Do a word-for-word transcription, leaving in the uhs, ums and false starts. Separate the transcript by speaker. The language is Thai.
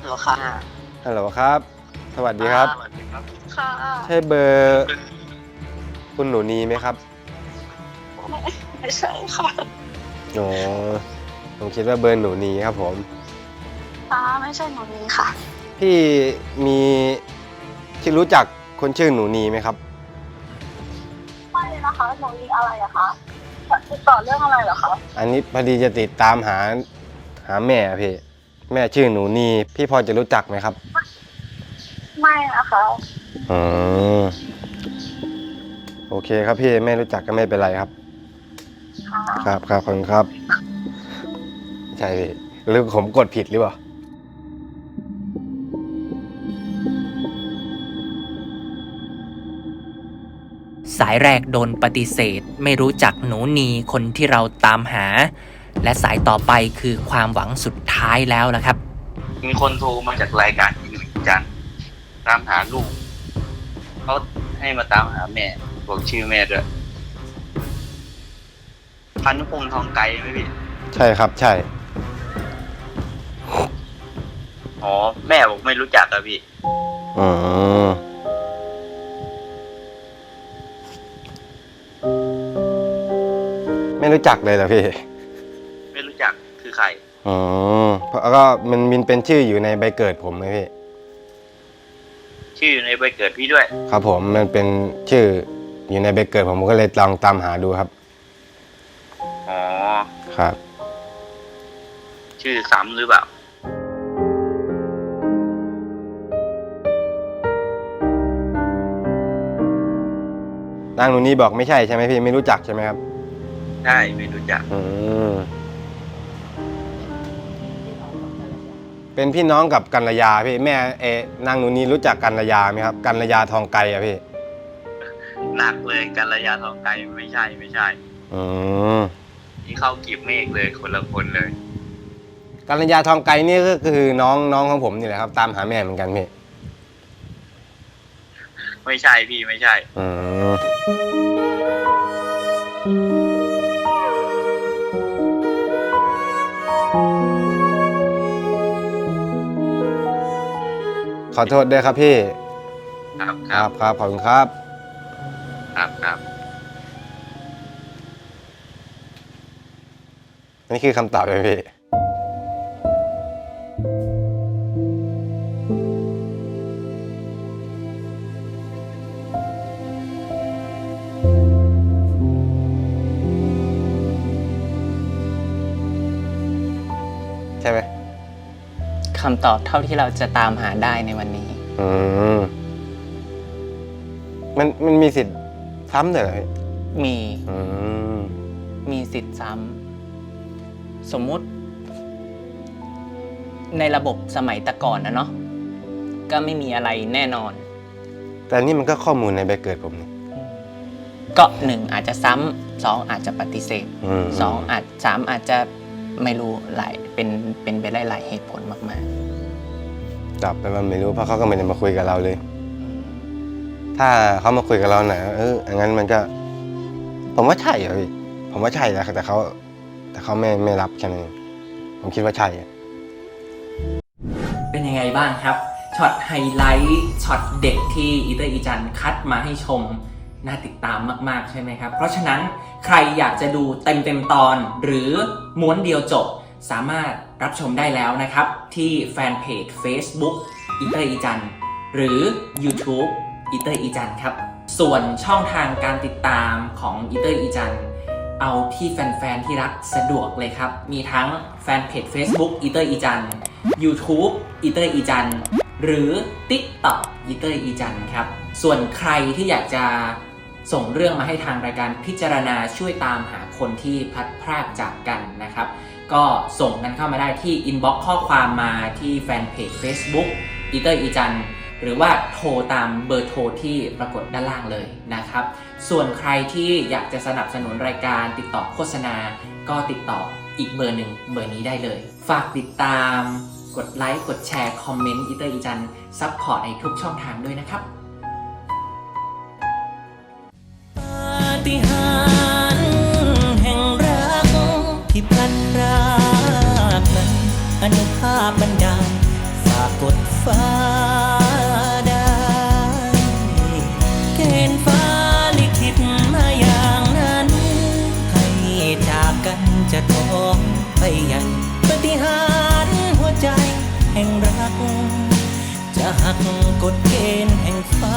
Speaker 1: ฮัลโหลค่ะ
Speaker 2: ฮัลโหลครับสวัสดีครับ
Speaker 1: สวัสดีครับค่ะ
Speaker 2: ใช่เบอร์คุณหนูนีไหมครับ
Speaker 1: ไม่ไม่ใช่ค่ะ
Speaker 2: อ๋อผมคิดว่าเบอร์หนูนีครับผม
Speaker 1: ค่ะไม่ใช่หนูนี้ค่ะ
Speaker 2: พี่มีที่รู้จักคนชื่อหนูนีไหมครับ
Speaker 1: ไม่นะคะหนูนี้อะไรอะคะติดต่อเรื่องอะไรเหรอคะ
Speaker 2: อันนี้พอดีจะติดตามหาหาแม่พี่แม่ชื่อหนูนีพี่พอจะรู้จักไหมครับ
Speaker 1: ไม่นะคะ
Speaker 2: อืมโอเคครับพี่ไม่รู้จักก็ไม่เป็นไรครับครับครับขอบคุณครับใช่พี่หรือผมกดผิดหรือเปล่า
Speaker 3: สายแรกโดนปฏิเสธไม่รู้จักหนูนีคนที่เราตามหาและสายต่อไปคือความหวังสุดท้ายแล้วล่ะครับ
Speaker 4: มีคนโทรมาจากรายการอีหนึ่งจันตามหาลูกเขาให้มาตามหาแม่บอกชื่อแม่ด้วยพันธุพงษ์ทองไกลไหมพี่
Speaker 2: ใช่ครับใช่
Speaker 4: อ๋อแม่บอกไม่รู้จักอะพี่
Speaker 2: อืมไม่รู้จักเลยเหรอพี่
Speaker 4: ไม่รู้จักคือใคร
Speaker 2: อ๋อเพราะก็มันมันเป็นชื่ออยู่ในใบเกิดผมเลยพี่
Speaker 4: ชื่อในใบเกิดพี่ด้วย
Speaker 2: ครับผมมันเป็นชื่ออยู่ในใบเกิดผมก็เลยลองตามหาดูครับ
Speaker 4: อ๋อ
Speaker 2: ครับ
Speaker 4: ชื่อซ้ำหรือเปล่
Speaker 2: านางหนูนี่บอกไม่ใช่ใช่ไหมพี่ไม่รู้จักใช่ไหมครับ
Speaker 4: ใช่ไม่รู้จัก
Speaker 2: อืมเป็นพี่น้องกับกัลยาพี่แม่เอนางหนูนี่รู้จักกัลยาไหมครับกัลยาทองไกอะพี่
Speaker 4: หนักเลยกัลยาทองไกลไม่ใช่ไม่ใช่
Speaker 2: อืม
Speaker 4: นี่เข้ากีบเมฆเลยคนละคนเลย
Speaker 2: กัลยาทองไกนี่ก็คือน้องน้องของผมนี่แหละครับตามหาแม่เหมือนกันพี่
Speaker 4: ไม่ใช่พี่ไม่ใช่
Speaker 2: อืมขอโทษด้วยครับพี่
Speaker 4: ครับ
Speaker 2: ครับครับขอบคุณครับ
Speaker 4: ครับครับ
Speaker 2: นี่คือคำตอบเลยพี่ใช่ไหม
Speaker 3: คำตอบเท่าที่เราจะตามหาได้ในวันนี้
Speaker 2: อืมมันมันมีสิทธิ์ซ้ำเหรอพี่
Speaker 3: มี
Speaker 2: อืม
Speaker 3: มีสิทธิ์ซ้ำสมมุติในระบบสมัยแต่ก่อนนะเนาะก็ไม่มีอะไรแน่นอน
Speaker 2: แต่นี่มันก็ข้อมูลในใบเกิดผมนี่
Speaker 3: ก็หนึ่งอาจจะซ้ำสองอาจจะปฏิเสธสองอาจสามอาจจะไม่รู้หลายเป็นเป็นไปได้หลายเหตุผลมาก
Speaker 2: ๆตอบไปว่าไม่รู้เพราะเขาก็ไม่ได้มาคุยกับเราเลยถ้าเขามาคุยกับเราหน่อยเอออย่างนั้นมันก็ผมว่าใช่เหรอพี่ผมว่าใช่นะแต่เขาแต่เขาไม่ไม่รับแค่นั้นผมคิดว่าใช่
Speaker 3: เป็นยังไงบ้างครับช็อตไฮไลท์ช็อตเด็กที่อีเตอร์อีจันคัดมาให้ชมน่าติดตามมากๆใช่ไหมครับเพราะฉะนั้นใครอยากจะดูเต็มเต็มตอนหรือม้วนเดียวจบสามารถรับชมได้แล้วนะครับที่แฟนเพจ Facebook อีเตอร์อีจันหรือ YouTube อีเตอร์อีจันครับส่วนช่องทางการติดตามของอีเตอร์อีจันเอาที่แฟนๆที่รักสะดวกเลยครับมีทั้งแฟนเพจ Facebook อีเตอร์อีจัน YouTube อีเตอร์อีจันหรือ TikTok อีเตอร์อีจันครับส่วนใครที่อยากจะส่งเรื่องมาให้ทางรายการพิจารณาช่วยตามหาคนที่พลัดพรากจากกันนะครับก็ส่งกันเข้ามาได้ที่อินบ็อกซ์ข้อความมาที่แฟนเพจ Facebook อีเตอร์อีจันหรือว่าโทรตามเบอร์โทรที่ปรากฏด้านล่างเลยนะครับส่วนใครที่อยากจะสนับสนุนรายการติดต่อโฆษณาก็ติดต่ออีกเบอร์หนึ่งเบอร์นี้ได้เลยฝากติดตามกดไลค์กดแชร์คอมเมนต์อีเตอร์อีจันซัพพอร์ตในทุกช่องทางด้วยนะครับปาฏิหาริย์แห่งรักที่พลันพรากนั้นอนุภาพบันดาลฝาก
Speaker 5: องไปใหญ่ปฏิหารย์หัวใจแห่งรัก จะหักกฎเกณฑ์แห่งฟ้า